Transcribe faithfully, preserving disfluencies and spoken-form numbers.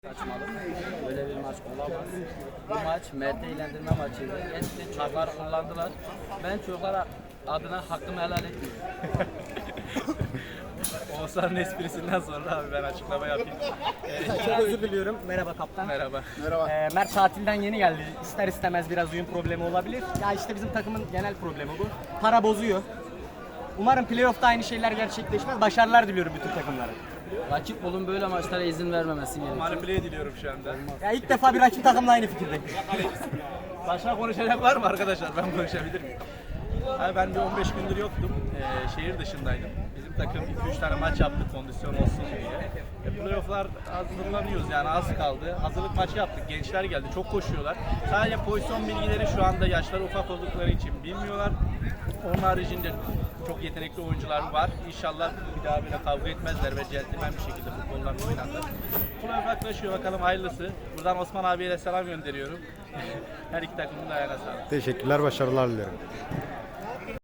Saçmalık. Böyle bir maç olamaz. Bu maç Mert'e eğlendirme maçıydı. Gerçekten çocuklar kullandılar. Ben çocuklar adına hakkımı helal etmiyorum. Oğuzhan'ın esprisinden sonra abi ben açıklama yapayım. Ee, Çok özür diliyorum. Merhaba kaptan. merhaba. Ee, Mert tatilden yeni geldi. İster istemez biraz uyum problemi olabilir. Ya işte bizim takımın genel problemi bu. Para bozuyor. Umarım playoff'ta aynı şeyler gerçekleşmez. Başarılar diliyorum bütün takımlara. Rakip olun böyle maçlara izin vermemesi gerekiyor. Manipüle ediliyorum şu anda. Ya ilk defa bir rakip takımla aynı fikirdeyim. Başka konuşacak var mı arkadaşlar? Ben konuşabilir miyim? Abi ben bir on beş gündür yoktum. Ee, şehir dışındaydım. Bizim takım iki üç tane maç yaptı kondisyon olsun diye. E, playoff'lar hazırlanıyoruz yani az kaldı. Hazırlık maçı yaptık. Gençler geldi. Çok koşuyorlar. Sadece pozisyon bilgileri şu anda yaşları ufak oldukları için bilmiyorlar. Onun haricinde çok yetenekli oyuncular var. İnşallah bir daha böyle kavga etmezler ve centilmen bir şekilde futbollar oynanır. Playoff yaklaşıyor, bakalım hayırlısı. Buradan Osman abiye de selam gönderiyorum. Her iki takımın da ayağına sağlık. Teşekkürler, başarılar dilerim.